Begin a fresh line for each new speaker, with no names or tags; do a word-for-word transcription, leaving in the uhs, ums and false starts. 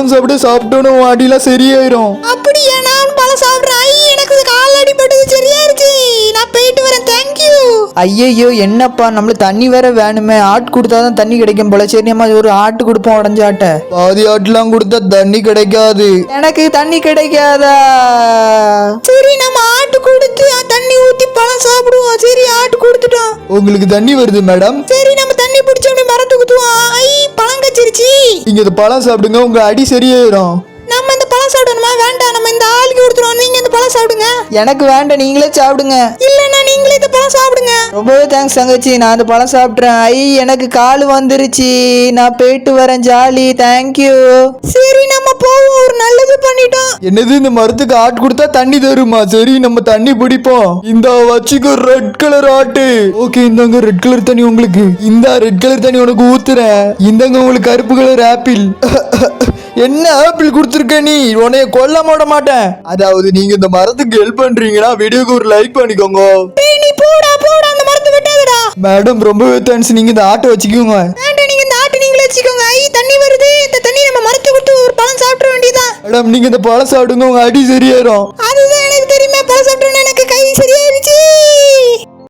பழம் சாப்பிட்டு சாப்பிட்டோன்னு அடிலாம் சரியாயிரும்.
அப்படியா? நான் பழம் சாப்பிடுறேன். ஐ, எனக்கு கால் அடிபட்டது சரியாயிருச்சு. நான் போயிட்டு வரேன். தேங்க்யூ.
ஐயையோ என்னப்பா, நம்மளுக்கு தண்ணி வேற வேணுமே. ஆட்டு கொடுத்தாதான் தண்ணி கிடைக்கும் போல. சரி நம்ம ஒரு ஆட்டு கொடுப்போம், உடஞ்ச ஆட்டை.
பாதி ஆட்டுலாம் கொடுத்தா தண்ணி கிடைக்காது.
எனக்கு தண்ணி கிடைக்காதா?
சரி, நம்ம ஆட்டு கொடுத்து தண்ணி ஊத்தி பழம் சாப்பிடுவோம். சரி, ஆட்டு கொடுத்துட்டோம்.
உங்களுக்கு தண்ணி வருது மேடம்.
சரி, நம்ம தண்ணி பிடிச்ச மரத்து குத்துவோம். ஐ, பழம் கச்சிருச்சு.
நீங்க இந்த பழம் சாப்பிடுங்க, உங்க அடி சரியாயிரும்.
நம்ம இந்த பழம் சாப்பிடணுமா? வேண்டாம், நம்ம இந்த ஆளுக்கு கொடுத்துருவோம். நீங்க இந்த பழம் சாப்பிடுங்க.
எனக்கு வேண்டாம், நீங்களே சாப்பிடுங்க.
இல்லன்னா நீங்களே இந்த பழம் சாப்பிடுங்க.
ரொம்பவே தேங்க்ஸ் தங்கச்சி, நான் அந்த பழம் சாப்பிட்றேன். ஐ, எனக்கு கால் வந்துருச்சு. நான் போயிட்டு வரேன். Jolly, thank you.
சரி, நம்ம போவோம். ஒரு நல்லது பண்ணிட்டோம்.
என்னது, இந்த மரத்துக்கு ஆட்டு கொடுத்தா தண்ணி தருமா? சரி, நம்ம தண்ணி பிடிப்போம். இந்த வச்சுக்கோ ரெட் கலர் ஆட்டு. ஓகே, இந்தாங்க ரெட் கலர் தண்ணி உங்களுக்கு. இந்த ரெட் கலர் தண்ணி உனக்கு ஊத்துறேன். இந்தாங்க உங்களுக்கு கருப்பு கலர் ஆப்பிள். என்ன ஆப்பிள் கொடுத்துருக்க நீ? உன்னைய கொல்ல மாட மாட்டேன். அதாவது நீங்க இந்த மரத்துக்கு ஹெல்ப் பண்றீங்கன்னா வீடியோக்கு ஒரு லைக் பண்ணிக்கோங்க.
டேய், நீ போடா போடா, அந்த மரத்தை வெட்டாதடா.
மேடம் ரொம்பவே தேங்க்ஸ். நீங்க இந்த ஆட்டை வச்சுக்கோங்க.
வேண்டாம், நீங்க இந்த ஆட்டு நீங்களே வச்சுக்கோங்க. ஐ, தண்ணி வருது. இந்த தண்ணி நம்ம மரத்தை விட்டு ஒரு பழம் சாப்பிட வேண்டியதான்.
மேடம் நீங்க இந்த பழம் சாப்பிடுங்க, உங்க அடி சரியாயிரும்.